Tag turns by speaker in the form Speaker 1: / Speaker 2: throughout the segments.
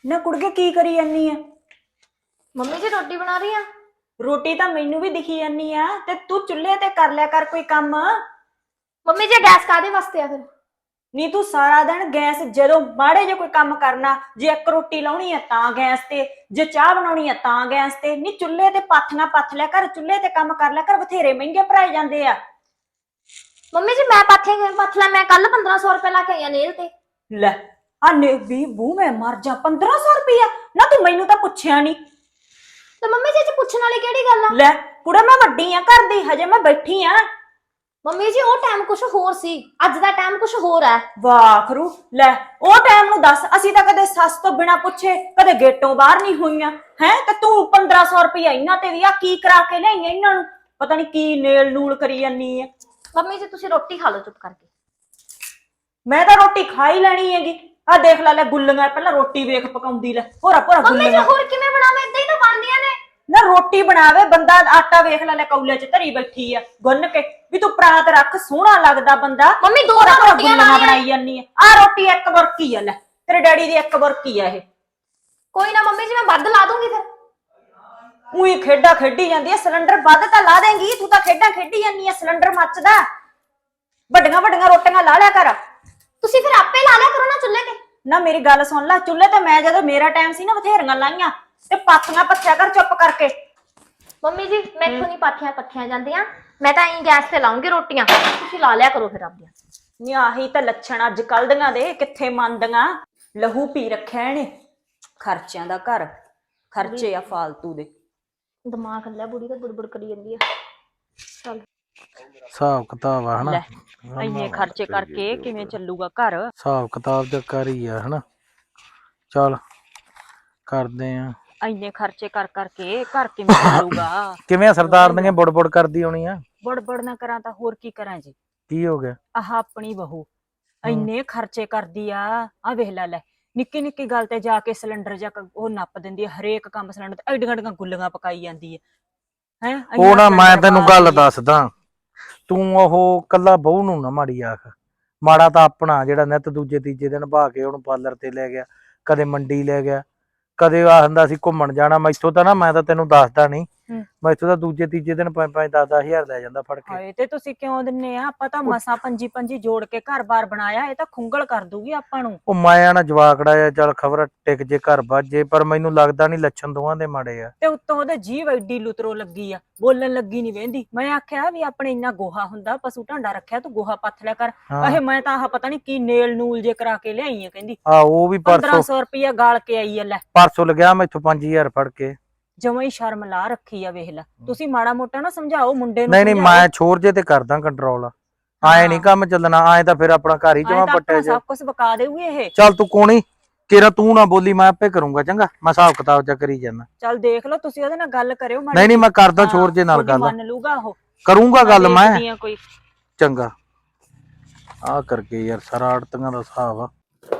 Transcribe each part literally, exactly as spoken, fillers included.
Speaker 1: ना कुड़के की करी जानी है?
Speaker 2: मम्मी जी रोटी बना रही है।
Speaker 1: रोटी तो मैनू भी दिखी जानी है ते तू चुल्हे ते कर लिया कर कोई काम।
Speaker 2: मम्मी जी गैस कादे वास्ते आ फिर?
Speaker 1: नहीं तू सारा दिन गैस जदों माड़े जो कोई काम करना जे एक रोटी लाउणी है तां गैस ते जे चाह बनाउणी है तां गैस ते नहीं चुल्हे ते पाथियां पथ लिया कर चुल्हे ते काम कर लिया कर बथेरे महंगे भराए जांदे आ।
Speaker 2: मम्मी जी मैं पाथे पथला मैं कल पंद्रह सौ रुपए ला के आई आ नेल ते।
Speaker 1: ले आने भी बू मैं मर जा पंद्रह सौ रुपया ना तू मैनू तो पुछया नहीं।
Speaker 2: तो मम्मी जी च पुछण वाली केड़ी गल आ?
Speaker 1: ले कुड़ा मैं वड्डी आ घर दी हजे मैं बैठी आ।
Speaker 2: मम्मी जी ਉਹ ਟਾਈਮ ਕੁਝ ਹੋਰ ਸੀ ਅੱਜ ਦਾ ਟਾਈਮ ਕੁਝ ਹੋਰ ਹੈ।
Speaker 1: ਵਾਹ ਖਰੂ ਲੈ ਉਹ ਟਾਈਮ ਨੂੰ ਦੱਸ ਅਸੀਂ ਤਾਂ ਕਦੇ ਸੱਸ ਤੋਂ ਬਿਨਾ ਪੁੱਛੇ ਕਦੇ ਗੇਟੋਂ ਬਾਹਰ ਨਹੀਂ ਹੋਈਆਂ ਹੈ ਤੇ ਤੂੰ ਪੰਦਰਾਂ ਸੌ ਰੁਪਇਆ ਇਹਨਾਂ ਤੇ ਵੀ ਆ ਕੀ ਕਰਾ ਕੇ ਲਿਆਈਆਂ ਇਹਨਾਂ ਨੂੰ ਪਤਾ ਨਹੀਂ ਕੀ ਨੇਲ ਨੂਲ ਕਰੀ ਜਾਨੀ ਆ।
Speaker 2: ਮੰਮੀ ਜੀ ਤੁਸੀਂ ਰੋਟੀ ਖਾ ਲਓ ਚੁੱਪ ਕਰਕੇ।
Speaker 1: ਮੈਂ ਤਾਂ ਰੋਟੀ ਖਾ ਹੀ ਲੈਣੀ ਹੈਗੀ ਆ ਦੇਖ ਲੈ ਲੈ ਗੁੱਲੀਆਂ ਪਹਿਲਾਂ ਰੋਟੀ ਵੇਖ ਪਕਾਉਂਦੀ ਲੈ ਹੋਰਾ ਭੋਰਾ
Speaker 2: ਮੰਮੀ ਜੀ
Speaker 1: ਗੁੱਲੀਆਂ
Speaker 2: ਹੋਰ ਕਿਵੇਂ ਬਣਾਵੇਂ ਇਦਾਂ ਹੀ ਤਾਂ ਬਣਦੀਆਂ ਨੇ।
Speaker 1: ਨਾ ਰੋਟੀ ਬਣਾਵੇ ਬੰਦਾ ਆਟਾ ਵੇਖ ਲੈ ਲੈ ਕੌਲੇ ਚ ਧਰੀ ਬੈਠੀ ਆ ਗੁੰਨ ਕੇ ਵੀ ਤੂੰ ਪਰਾਤ ਰੱਖ ਸੋਹਣਾ ਲੱਗਦਾ ਬੰਦਾ।
Speaker 2: ਮੰਮੀ ਦੋ
Speaker 1: ਹੋਰਾ ਭੋਰਾ
Speaker 2: ਰੋਟੀਆਂ
Speaker 1: ਗੁੱਲੀਆਂ ਬਣਾਈ ਜਾਨੀ ਆ ਆ ਰੋਟੀ ਇੱਕ ਬੁਰਕੀ ਆ ਲੈ ਤੇਰੇ ਡੈਡੀ ਦੀ ਇੱਕ ਬੁਰਕੀ ਆ ਇਹ।
Speaker 2: ਕੋਈ ਨਾ ਮੰਮੀ ਜੀ ਮੈਂ ਵੱਧ ਲਾ ਦੂੰਗੀ ਫਿਰ।
Speaker 1: ਉਹੀ ਖੇਡਾਂ ਖੇਡੀ ਜਾਂਦੀ ਆ ਸਿਲੰਡਰ ਵੱਧ ਤਾਂ ਲਾ ਦੇਂਗੀ ਤੂੰ ਤਾਂ ਖੇਡਾਂ ਖੇਡੀ ਜਾਂਦੀ ਆ ਸਿਲੰਡਰ ਮੱਚਦਾ ਵੱਡੀਆਂ ਵੱਡੀਆਂ ਰੋਟੀਆਂ ਲਾ ਲਿਆ ਕਰ।
Speaker 2: ਤੁਸੀਂ ਫਿਰ ਆਪੇ ਲਾ ਲਿਆ ਕਰੋ ਨਾ ਚੁੱਲ੍ਹੇ ਤੇ।
Speaker 1: ਨਾ ਮੇਰੀ ਗੱਲ ਸੁਣ ਲੈ ਚੁੱਲ੍ਹੇ ਤੇ ਮੈਂ ਜਦੋਂ ਮੇਰਾ ਟਾਈਮ ਸੀ ਨਾ ਬਥੇਰੀਆਂ ਲਾਈਆਂ ਤੇ ਪਾਥੀਆਂ ਪੱਥਿਆ ਕਰ ਚੁੱਪ ਕਰਕੇ।
Speaker 2: ਮੰਮੀ ਜੀ ਮੈਥੋਂ ਨਹੀਂ ਪਾਥੀਆਂ ਪੱਥੀਆਂ ਜਾਂਦੀਆਂ ਮੈਂ ਤਾਂ ਐਂ ਗੈਸ ਤੇ ਲਾਉਂਗੀ ਰੋਟੀਆਂ ਤੁਸੀਂ ਲਾ ਲਿਆ ਕਰੋ ਫਿਰ ਆਪਦੀਆਂ।
Speaker 1: ਨੀ ਆਹੀ ਤਾਂ ਲੱਛਣ ਅੱਜ ਕੱਲ ਦੀਆਂ ਦੇ ਕਿੱਥੇ ਮੰਨਦੀਆਂ ਲਹੂ ਪੀ ਰੱਖਿਆ ਇਹਨੇ ਖਰਚਿਆਂ ਦਾ ਘਰ ਖਰਚੇ ਆ ਫਾਲਤੂ ਦੇ।
Speaker 2: ਦਿਮਾਗ ਹੱਲਿਆ ਬੁੜੀ ਤਾਂ ਬੁੜਬੁੜ ਕਰੀ ਜਾਂਦੀ ਆ। ਚੱਲ
Speaker 3: ਹਿਸਾਬ ਕਿਤਾਬ ਆ ਹਨਾ
Speaker 1: ਇੰਨੇ ਖਰਚੇ ਕਰਕੇ ਕਿਵੇਂ ਚੱਲੂਗਾ ਘਰ।
Speaker 3: ਹਿਸਾਬ ਕਿਤਾਬ ਦਾ ਕਰ ਹੀ ਆ ਹਨਾ ਚੱਲ ਕਰਦੇ ਆ।
Speaker 1: ਇੰਨੇ ਖਰਚੇ ਕਰ ਕਰਕੇ ਘਰ ਕਿਵੇਂ ਚੱਲੂਗਾ।
Speaker 3: ਕਿਵੇਂ ਸਰਦਾਰ ਨੇ ਬੁੜ ਬੁੜ ਕਰਦੀ ਹੋਣੀ ਆ।
Speaker 1: ਬੜ ਬੜ ਨਾ ਕਰਾਂ ਤਾਂ ਹੋਰ ਕੀ ਕਰਾਂ ਜੀ।
Speaker 3: ਕੀ ਹੋ ਗਿਆ?
Speaker 1: ਆਹ ਆਪਣੀ ਬਹੂ ਇੰਨੇ ਖਰਚੇ ਕਰਦੀ ਆ ਆ ਵੇਖ ਲੈ ਲੈ ਨਿੱਕੀ ਨਿੱਕੀ ਗੱਲ ਤੇ ਜਾ ਕੇ ਸਿਲੰਡਰ ਜਾਂ ਉਹ ਨੱਪ ਦਿੰਦੀ ਆ ਹਰੇਕ ਕੰਮ ਸਿਲੰਡਰ ਤੇ ਐਡੀਆਂ ਐਡੀਆਂ ਗੁੱਲੀਆਂ ਪਕਾਈ ਜਾਂਦੀ ਹੈ ਹੈ।
Speaker 3: ਉਹ ਨਾ ਮੈਂ ਤੈਨੂੰ ਗੱਲ ਦੱਸਦਾ ਤੂੰ ਉਹ ਕੱਲਾ ਬਹੂ ਨੂੰ ਨਾ ਮਾੜੀ ਆਖ ਮਾੜਾ ਤਾਂ ਆਪਣਾ ਜਿਹੜਾ ਨਿੱਤ ਦੂਜੇ ਤੀਜੇ ਦਿਨ ਭਾ ਕੇ ਉਹਨੂੰ ਪਾਰਲਰ ਤੇ ਲੈ ਗਿਆ ਕਦੇ ਮੰਡੀ ਲੈ ਗਿਆ ਕਦੇ ਆਖਦਾ ਸੀ ਘੁੰਮਣ ਜਾਣਾ ਮੈਥੋਂ ਤਾਂ ਨਾ ਮੈਂ ਤਾਂ ਤੈਨੂੰ ਦੱਸਦਾ ਨਹੀਂ ਮੈਥੋਂ ਤਾਂ ਦੂਜੇ ਤੀਜੇ ਦਿਨ ਪੰਜ ਪੰਜ ਦਸ ਦਸ ਹਜ਼ਾਰ ਲੈ ਜਾਂਦਾ ਫੜ ਕੇ।
Speaker 1: ਹਾਏ ਤੇ ਤੁਸੀਂ ਕਿਉਂ ਦਿੰਨੇ ਆ ਆਪਾਂ ਤਾਂ ਮਸਾ ਪੰਜੀ ਪੰਜੀ ਜੋੜ ਕੇ ਘਰ-ਬਾਰ ਬਣਾਇਆ ਇਹ ਤਾਂ ਖੁੰਗਲ ਕਰ ਦੂਗੀ ਆਪਾਂ ਨੂੰ।
Speaker 3: ਉਹ ਮਾਇਆ ਨਾ ਜਵਾਕੜਾ ਆ ਚੱਲ ਖਬਰ ਟਿਕ ਜੇ ਘਰ ਵੱਜੇ ਪਰ ਮੈਨੂੰ ਲੱਗਦਾ ਨਹੀਂ ਲੱਛਣ ਦੋਵਾਂ ਦੇ ਮਾੜੇ ਆ।
Speaker 1: ਤੇ ਉੱਤੋਂ ਉਹਦੇ ਜੀਭ ਐਡੀ ਲੁਤਰੋ ਲੱਗੀ ਆ ਬੋਲਣ ਲੱਗੀ ਨਹੀਂ ਵਹਿੰਦੀ। ਮੈਂ ਆਖਿਆ ਵੀ ਆਪਣੇ ਇੰਨਾ ਗੋਹਾ ਹੁੰਦਾ ਪਸ਼ੂ ਢਾਂਡਾ ਰੱਖਿਆ ਤੂੰ ਗੋਹਾ ਪੱਥ ਲਿਆ ਕਰ। ਆਹੇ ਮੈਂ ਤਾਂ ਆਹ ਪਤਾ ਨਹੀਂ ਕੀ ਨੇਲ ਨੂਲ ਜੇ ਕਰਾ ਕੇ ਲਿਆਈ ਆ ਕਹਿੰਦੀ।
Speaker 3: ਆ ਉਹ ਵੀ ਪਰਸੋਂ
Speaker 1: ਪੰਦਰਾਂ ਸੌ ਰੁਪਇਆ ਗਾਲ ਕੇ ਆਈ ਆ ਲੈ
Speaker 3: ਪਰਸੋਂ ਲਗਿਆ ਮੈਥੋਂ ਪੰਜ ਹਜ਼ਾਰ ਫੜ ਕੇ।
Speaker 1: ਜਮਾਂ ਹੀ ਸ਼ਰਮ ਲਾ ਰੱਖੀ ਆ ਵੇਖ ਲੈ ਤੁਸੀਂ ਮਾੜਾ ਮੋਟਾ ਨਾ ਸਮਝਾਓ ਮੁੰਡੇ ਨੂੰ।
Speaker 3: ਨਹੀਂ ਨਹੀਂ ਮੈਂ ਛੋਰ ਜੇ ਤੇ ਕਰਦਾ ਕੰਟਰੋਲ ਆਏ ਨਹੀਂ ਕੰਮ ਚੱਲਣਾ ਆਏ ਤਾਂ ਫਿਰ ਆਪਣਾ ਘਰ ਹੀ ਜਮਾ ਪੱਟਿਆ
Speaker 1: ਸਭ ਕੁਝ ਬਕਾ ਦੇਊਗੀ ਇਹ।
Speaker 3: ਚੱਲ ਤੂੰ ਕੋਣੀ ਤੇਰਾ ਤੂੰ ਨਾ ਬੋਲੀ ਮੈਂ ਆਪੇ ਕਰੂੰਗਾ ਚੰਗਾ ਮੈਂ ਹਿਸਾਬ ਕਿਤਾਬ ਜਾ ਕਰੀ ਜਾਂਦਾ।
Speaker 1: ਚੱਲ ਦੇਖ ਲਓ ਤੁਸੀਂ ਉਹਦੇ ਨਾਲ ਗੱਲ ਕਰਿਓ।
Speaker 3: ਨਹੀਂ ਨਹੀਂ ਮੈਂ ਕਰਦਾ ਛੋਰ ਜੇ ਨਾਲ ਗੱਲ
Speaker 1: ਮੰਨ ਲੂਗਾ ਉਹ
Speaker 3: ਕਰੂੰਗਾ ਗੱਲ ਮੈਂ
Speaker 1: ਕੋਈ
Speaker 3: ਚੰਗਾ ਆ ਕਰਕੇ ਯਾਰ ਸਾਰਾ ਆੜਤੀਆਂ ਦਾ ਹਿਸਾਬ ਆ।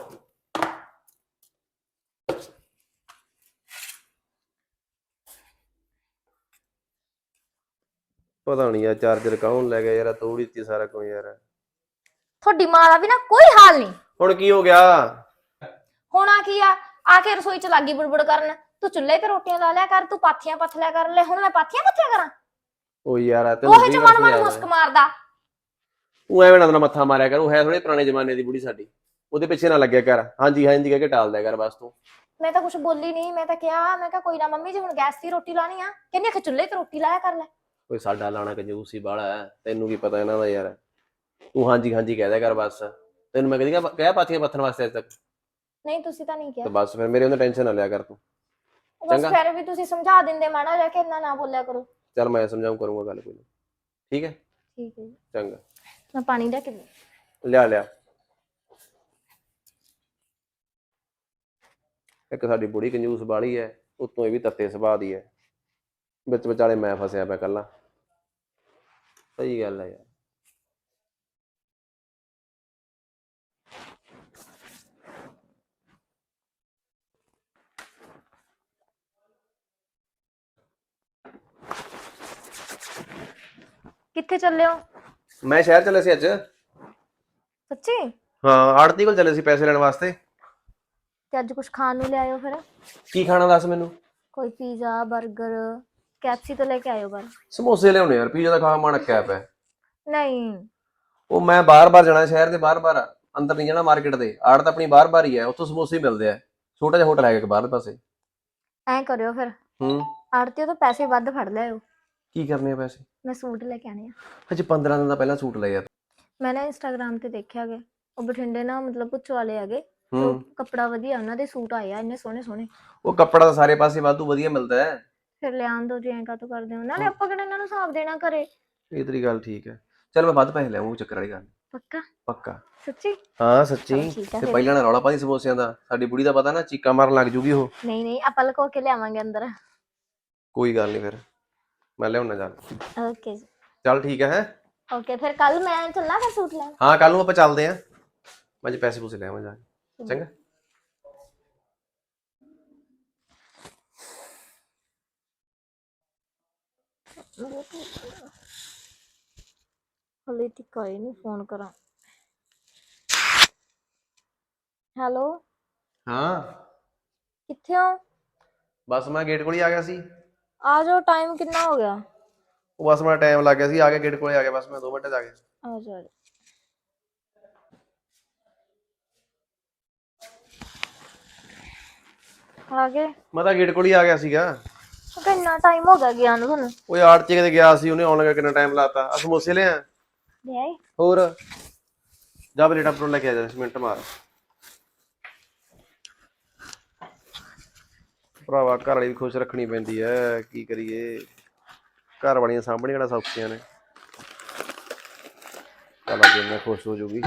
Speaker 4: ਪਤਾ ਨਹੀਂ ਯਾਰ ਚਾਰਜਰ ਕੌਣ ਲੈ ਗਿਆ ਯਾਰ ਤੋੜ ਦਿੱਤੀ ਸਾਰਾ ਕੁਝ ਯਾਰ।
Speaker 2: ਤੁਹਾਡੀ ਮਾਂ ਦਾ ਵੀ ਨਾ ਕੋਈ ਹਾਲ ਨਹੀਂ।
Speaker 4: ਹੁਣ ਕੀ ਹੋ ਗਿਆ?
Speaker 2: ਹੋਣਾ ਕੀ ਆ ਆ ਕੇ ਰਸੋਈ ਚ ਲੱਗੀ ਬੁੜਬੁੜ ਕਰਨ ਤੂੰ ਚੁੱਲ੍ਹੇ ਤੇ ਰੋਟੀਆਂ ਲਾ ਲਿਆ ਕਰ ਤੂੰ ਪਾਥੀਆਂ ਪੱਥ ਲਿਆ ਕਰ ਲੈ ਹੁਣ ਮੈਂ ਪਾਥੀਆਂ ਪੱਥਿਆ ਕਰਾਂ?
Speaker 4: ਉਹ ਯਾਰ
Speaker 2: ਉਹ ਚ ਮਨ ਮਨ ਮੁਸਕ ਮਾਰਦਾ।
Speaker 4: ਉਹ ਐਵੇਂ ਨਾ ਮੱਥਾ ਮਾਰਿਆ ਕਰ ਉਹ ਹੈ ਥੋੜੇ ਪੁਰਾਣੇ ਜ਼ਮਾਨੇ ਦੀ ਬੁੜੀ ਸਾਡੀ ਉਹਦੇ ਪਿੱਛੇ ਨਾ ਲੱਗਿਆ ਕਰ ਹਾਂਜੀ ਹਾਂਜੀ ਕਹਿ ਕੇ ਟਾਲ ਦਿਆ ਕਰ ਬਸ ਤੂੰ।
Speaker 2: ਮੈਂ ਤਾਂ ਕੁਝ ਬੋਲੀ ਨਹੀਂ ਮੈਂ ਤਾਂ ਕਿਹਾ ਮੈਂ ਕਿਹਾ ਕੋਈ ਨਾ ਮੰਮੀ ਜੀ ਹੁਣ ਗੈਸ ਦੀ ਰੋਟੀ ਲਾਣੀ ਆ ਕਹਿੰਦੀ ਆ ਚੁੱਲ੍ਹੇ ਤੇ ਰੋਟੀ ਲਾਇਆ ਕਰ ਲੈ।
Speaker 4: ਕੋਈ ਸਾਡਾ ਲਾਣਾ ਕੰਜੂਸੀ ਬਾਲਾ ਹੈ ਤੈਨੂੰ ਕੀ ਪਤਾ ਇਹਨਾਂ ਦਾ ਯਾਰ ਤੂੰ ਹਾਂਜੀ ਹਾਂਜੀ ਕਹਿ ਦਿਆ ਕਰ ਬਸ ਤੈਨੂੰ ਮੈਂ ਕਹਿੰਦੀ ਕਹਿਆ ਪਾਥੀਆਂ ਪੱਥਣ ਵਾਸਤੇ ਅੱਜ ਤੱਕ।
Speaker 2: ਨਹੀਂ ਤੁਸੀਂ ਤਾਂ ਨਹੀਂ ਕਿਹਾ।
Speaker 4: ਤੇ ਬਸ ਫਿਰ ਮੇਰੇ ਉਹਨੇ ਟੈਨਸ਼ਨ ਨਾ ਲਿਆ ਕਰ ਤੂੰ।
Speaker 2: ਬਸ ਫਿਰ ਵੀ ਤੁਸੀਂ ਸਮਝਾ ਦਿੰਦੇ ਮਾੜਾ ਜਾ ਕੇ ਇੰਨਾ ਨਾ ਬੋਲਿਆ ਕਰੋ।
Speaker 4: ਚੱਲ ਮੈਂ ਸਮਝਾਉਂ ਕਰੂੰਗਾ ਗੱਲ ਕੋਈ ਠੀਕ ਹੈ।
Speaker 2: ਠੀਕ ਹੈ ਜੀ
Speaker 4: ਚੰਗਾ
Speaker 2: ਮੈਂ ਪਾਣੀ ਲੈ ਕੇ
Speaker 4: ਲਿਆ ਲਿਆ। ਇੱਕ ਸਾਡੀ ਬੁੜੀ ਕੰਜੂਸ ਬਾਲੀ ਹੈ ਉਤੋਂ ਇਹ ਵੀ ਤੱਤੇ ਸੁਭਾਅ ਦੀ ਹੈ ਵਿੱਚ ਵਿਚਾਲੇ ਮੈਂ ਫਸਿਆ ਪਿਆ ਕੱਲਾ। ਸਹੀ ਗੱਲ ਹੈ ਯਾਰ।
Speaker 2: ਕਿੱਥੇ ਚੱਲੇ ਹੋ?
Speaker 4: ਮੈਂ ਸ਼ਹਿਰ ਚੱਲੇ ਸੀ ਅੱਜ।
Speaker 2: ਸੱਚੀ?
Speaker 4: ਹਾਂ ਆੜਤੀ ਕੋਲ ਚੱਲੇ ਸੀ ਪੈਸੇ ਲੈਣ ਵਾਸਤੇ।
Speaker 2: ਤੇ ਅੱਜ ਕੁਝ ਖਾਣ ਨੂੰ ਲਿਆਇਓ ਫਿਰ।
Speaker 4: ਕੀ ਖਾਣਾ ਦੱਸ ਮੈਨੂੰ।
Speaker 2: ਕੋਈ ਪੀਜ਼ਾ 버ਗਰ ਕੈਪਸੀ ਤੋਂ ਲੈ ਕੇ ਆਇਓ ਬਾਹਰ।
Speaker 4: ਸਮੋਸੇ ਲਿਆਉਣੇ ਯਾਰ, ਪੀਜ਼ਾ ਦਾ ਖਾ ਮਨ ਅੱਕਿਆ ਪਿਆ।
Speaker 2: ਨਹੀਂ
Speaker 4: ਉਹ ਮੈਂ ਬਾਰ-ਬਾਰ ਜਾਣਾ ਸ਼ਹਿਰ ਦੇ ਬਾਰ-ਬਾਰ, ਅੰਦਰ ਨਹੀਂ ਜਾਣਾ ਮਾਰਕੀਟ ਦੇ। ਆੜ ਤਾਂ ਆਪਣੀ ਬਾਰ-ਬਾਰ ਹੀ ਹੈ, ਉੱਥੋਂ ਸਮੋਸੇ ਹੀ ਮਿਲਦੇ ਆ। ਛੋਟਾ ਜਿਹਾ ਹੋਟਲ ਹੈਗਾ ਇੱਕ ਬਾਹਰ ਪਾਸੇ।
Speaker 2: ਐਂ ਕਰਿਓ ਫਿਰ,
Speaker 4: ਹੂੰ
Speaker 2: ਆੜਤੀ ਤੋਂ ਪੈਸੇ ਵੱਧ ਫੜ ਲਿਆਇਓ।
Speaker 4: ਕੀ ਕਰਨੇ ਆ ਪੈਸੇ?
Speaker 2: ਮੈਂ ਸੂਟ ਲੈ ਕੇ ਆਣੇ ਆ।
Speaker 4: ਅਜੇ ਪੰਦਰਾਂ ਦਿਨ ਦਾ ਪਹਿਲਾਂ ਸੂਟ ਲਏ ਆ।
Speaker 2: ਮੈਂ ਨਾ ਇੰਸਟਾਗ੍ਰਾਮ ਤੇ ਦੇਖਿਆ ਗੇ, ਉਹ ਬਠਿੰਡੇ ਨਾ ਮਤਲਬ ਪੁੱਛ ਵਾਲੇ ਹੈਗੇ,
Speaker 4: ਹੂੰ
Speaker 2: ਕੱਪੜਾ ਵਧੀਆ, ਉਹਨਾਂ ਦੇ ਸੂਟ ਆਏ ਆ ਇੰਨੇ ਸੋਹਣੇ ਸੋਹਣੇ।
Speaker 4: ਉਹ ਕੱਪੜਾ ਤਾਂ ਸਾਰੇ ਪਾਸੇ ਵਾਧੂ ਵਧੀਆ ਮਿਲਦਾ ਹੈ।
Speaker 2: ਫਿਰ ਲਿਆਉਣ ਦੋ ਜੀ, ਐਂ ਕਾਤੋਂ ਕਰਦੇ ਹੋ? ਨਾਲੇ ਆਪਾਂ ਕਿਹੜਾ ਇਹਨਾਂ ਨੂੰ ਹਿਸਾਬ ਦੇਣਾ ਘਰੇ।
Speaker 4: ਇਹ ਤੇਰੀ ਗੱਲ ਠੀਕ ਹੈ, ਚਲ ਮੈਂ ਵੱਧ ਪੈਸੇ ਲਿਆਉਂ, ਉਹ ਚੱਕਰ ਵਾਲੀ ਗੱਲ।
Speaker 2: ਪੱਕਾ?
Speaker 4: ਪੱਕਾ।
Speaker 2: ਸੱਚੀ?
Speaker 4: ਹਾਂ ਸੱਚੀ।
Speaker 2: ਚਲੋ ਠੀਕ ਆ
Speaker 4: ਤੇ
Speaker 2: ਫਿਰ।
Speaker 4: ਪਹਿਲਾਂ ਨਾ ਰੌਲਾ ਪਾਈ ਸਮੋਸਿਆਂ ਦਾ, ਸਾਡੀ ਬੁੜੀ ਦਾ ਪਤਾ ਨਾ ਚੀਕਾਂ ਮਾਰਨ ਲੱਗ ਜੂਗੀ ਉਹ।
Speaker 2: ਨਹੀਂ ਨਹੀਂ, ਆਪਾਂ ਲੁਕੋ ਕੇ ਲਿਆਵਾਂਗੇ ਅੰਦਰ।
Speaker 4: ਕੋਈ ਗੱਲ ਨਹੀਂ, ਫਿਰ ਮੈਂ ਲਿਆਉਣਾ ਚੱਲ।
Speaker 2: ਓਕੇ ਜੀ।
Speaker 4: ਚੱਲ ਠੀਕ ਹੈ ਹੈ।
Speaker 2: ਓਕੇ ਫਿਰ ਕੱਲ ਮੈਂ ਚੱਲਾਂ ਫਿਰ ਸੂਟ ਲੈਣ।
Speaker 4: ਹਾਂ ਕੱਲ ਨੂੰ ਆਪਾਂ ਚੱਲਦੇ ਆਂ, ਮੈਂ ਅੱਜ ਪੈਸੇ ਪੂਸੇ ਲਿਆਵਾਂ ਜਾ ਕੇ। ਚੰਗਾ।
Speaker 2: ਹਲੇ ਤੱਕ ਆਏ ਨਹੀਂ, ਫੋਨ ਕਰਾਂ। ਹੈਲੋ
Speaker 4: ਹਾਂ
Speaker 2: ਕਿੱਥੇ ਹੋ?
Speaker 4: ਬਸ ਮੈਂ ਗੇਟ ਕੋਲ ਹੀ ਆ ਗਿਆ ਸੀ।
Speaker 2: ਆ ਜਾਓ, ਟਾਈਮ ਕਿੰਨਾ ਹੋ ਗਿਆ?
Speaker 4: ਉਹ ਬਸ ਮੈਂ ਟਾਈਮ ਲੱਗ ਗਿਆ ਸੀ, ਆ ਗਿਆ ਗੇਟ ਕੋਲੇ ਆ ਗਿਆ, ਬਸ ਮੈਂ ਦੋ ਮਿੰਟ ਚ ਆ ਗਿਆ।
Speaker 2: ਆ ਜਾਓ ਆ ਜਾਓ। ਆ ਗਏ?
Speaker 4: ਮੈਂ ਤਾਂ ਗੇਟ ਕੋਲ ਹੀ ਆ ਗਿਆ ਸੀਗਾ।
Speaker 2: ਕਿੰਨਾ ਟਾਈਮ ਹੋ ਗਿਆ ਗਿਆ ਨੂੰ ਤੁਹਾਨੂੰ?
Speaker 4: ਉਹ ਆੜ ਚ ਕਿਤੇ ਗਿਆ ਸੀ, ਉਹਨੇ ਆਉਣ ਲੱਗਾ ਕਿੰਨਾ ਟਾਈਮ ਲਾਤਾ। ਆ ਸਮੋਸੇ ਲਿਆ
Speaker 2: ਲੈ ਆਏ?
Speaker 4: ਹੋਰ ਜਾ ਬਲੇਟਾ ਪਰੋਂ ਲੈ ਕੇ ਆ ਜਾ, ਮਿੰਟ ਮਾਰ। ਭਰਾਵਾ ਘਰ ਵਾਲੀ ਵੀ ਖੁਸ਼ ਰੱਖਣੀ ਪੈਂਦੀ ਐ, ਕੀ ਕਰੀਏ। ਘਰ ਵਾਲੀਆਂ ਸਾਂਭਣੀਆਂ ਕਿਹੜਾ ਸੌਖੀਆਂ ਨੇ। ਚੱਲ ਅੱਜ ਮੈਂ ਖੁਸ਼ ਹੋ ਜੂਗੀ।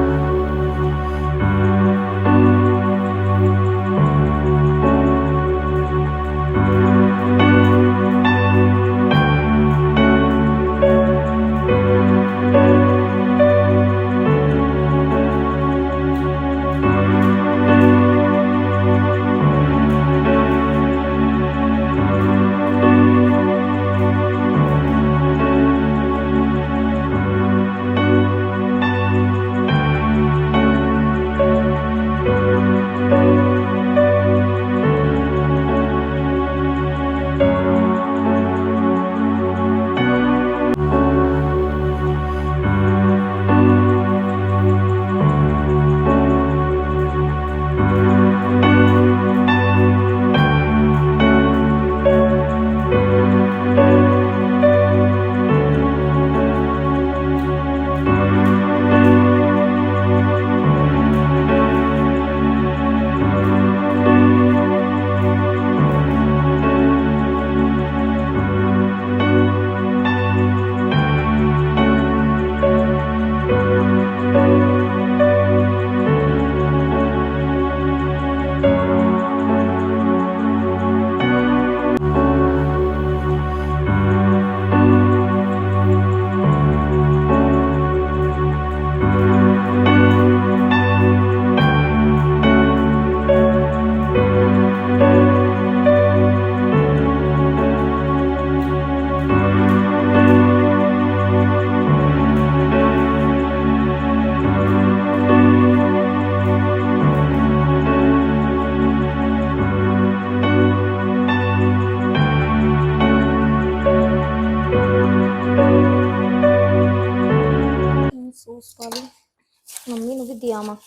Speaker 2: ਸੌਸ ਪਾ ਲਈ, ਮੰਮੀ ਨੂੰ ਵੀ ਦਿਆ ਮਾ।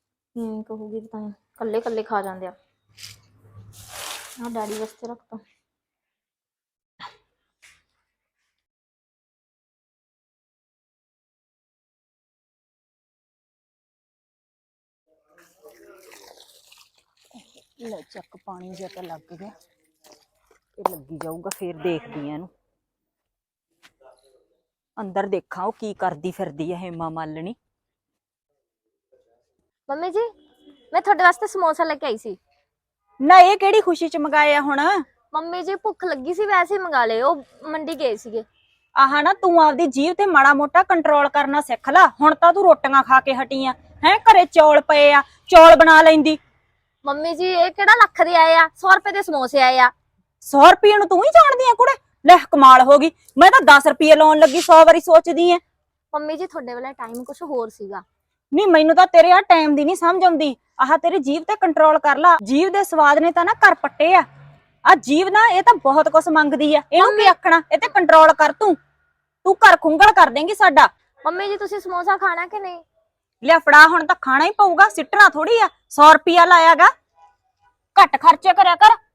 Speaker 2: ਹੂੰ ਕਹੂਗੀ ਪਤਾ ਨਹੀਂ ਕੱਲੇ ਕੱਲੇ ਖਾ ਜਾਂਦੇ ਆ। ਆ ਡੈਡੀ ਵਾਸਤੇ ਰੱਖਤਾ।
Speaker 1: ਲੈ ਚੱਕ, ਪਾਣੀ ਜਿਹਾ ਤਾਂ ਲੱਗ ਗਿਆ, ਇਹ ਲੱਗੀ ਜਾਊਗਾ, ਫੇਰ ਦੇਖਦੀ ਆ ਇਹਨੂੰ। ਅੰਦਰ ਦੇਖਾਂ ਉਹ ਕੀ ਕਰਦੀ ਫਿਰਦੀ ਹੈ ਹੇਮਾ ਮਾਲਣੀ।
Speaker 2: ਮੰਮੀ ਜੀ ਮੈਂ ਤੁਹਾਡੇ ਵਾਸਤੇ ਸਮੋਸਾ ਲੈ ਕੇ ਆਈ ਸੀ।
Speaker 1: ਨਾ ਇਹ ਕਿਹੜੀ ਖੁਸ਼ੀ ਚ ਮੰਗਾਇਆ ਹੁਣ?
Speaker 2: ਮੰਮੀ ਜੀ ਭੁੱਖ ਲੱਗੀ ਸੀ, ਵੈਸੇ ਹੀ ਮੰਗਾ ਲਏ, ਉਹ ਮੰਡੀ ਗਏ ਸੀਗੇ।
Speaker 1: ਆਹ ਨਾ ਤੂੰ ਆਪਦੀ ਜੀਭ ਤੇ ਮਾੜਾ ਮੋਟਾ ਕੰਟਰੋਲ ਕਰਨਾ ਸਿੱਖ ਲੈ। ਹੁਣ ਤਾਂ ਤੂੰ ਰੋਟੀਆਂ ਖਾ ਕੇ ਹਟੀ ਆ ਹੈ, ਘਰੇ ਚੌਲ ਪਏ ਆ, ਚੌਲ ਬਣਾ ਲੈਂਦੀ।
Speaker 2: ਮੰਮੀ ਜੀ ਇਹ ਕਿਹੜਾ ਲੱਖ ਦੇ ਆਏ ਆ, ਸੌ ਰੁਪਏ ਦੇ ਸਮੋਸੇ ਆਏ ਆ।
Speaker 1: ਸੌ ਰੁਪਏ ਨੂੰ ਤੂੰ ਹੀ ਜਾਣਦੀ ਆ ਕੁੜੇ? ਲੈ ਕਮਾਲ ਹੋ ਗਈ, ਮੈਂ ਤਾਂ ਦਸ ਰੁਪਏ ਲਾਉਣ ਲੱਗੀ, ਸੌ ਵਾਰੀ ਸੋਚਦੀ ਆ।
Speaker 2: ਮੰਮੀ ਜੀ ਤੁਹਾਡੇ ਵੇਲੇ ਟਾਈਮ ਕੁਝ ਹੋਰ ਸੀਗਾ,
Speaker 1: ਨਹੀਂ ਮੈਨੂੰ ਤਾਂ ਤੇਰੇ ਆ ਟਾਈਮ ਦੀ ਨਹੀਂ ਸਮਝ ਆਉਂਦੀ। ਆਹ ਤੇਰੀ ਜੀਭ ਤੇ ਕੰਟਰੋਲ ਕਰ ਲਾ। ਜੀਭ ਦੇ ਸਵਾਦ ਨੇ ਤਾਂ ਨਾ ਘਰ ਪੱਟੇ ਆ। ਆ ਜੀਭ ਨਾ ਇਹ ਤਾਂ ਬਹੁਤ ਕੁਝ ਮੰਗਦੀ ਆ। ਇਹਨੂੰ ਕੀ ਆਖਣਾ, ਇਹ ਤੇ ਕੰਟਰੋਲ ਕਰ ਤੂੰ। ਤੂੰ ਘਰ ਖੁੰਗਲ ਕਰ ਦੇਂਗੀ ਸਾਡਾ।
Speaker 2: ਮੰਮੀ ਜੀ ਤੁਸੀਂ ਸਮੋਸਾ ਖਾਣਾ ਕਿ ਨਹੀਂ?
Speaker 1: ਲਿਆ ਫੜਾ, ਹੁਣ ਤਾਂ ਖਾਣਾ ਹੀ ਪਊਗਾ, ਸਿੱਟਣਾ ਥੋੜੀ ਆ। ਸੌ ਰੁਪਿਆ ਲਾਇਆਗਾ, ਘੱਟ ਖਰਚੇ ਕਰਿਆ ਕਰ।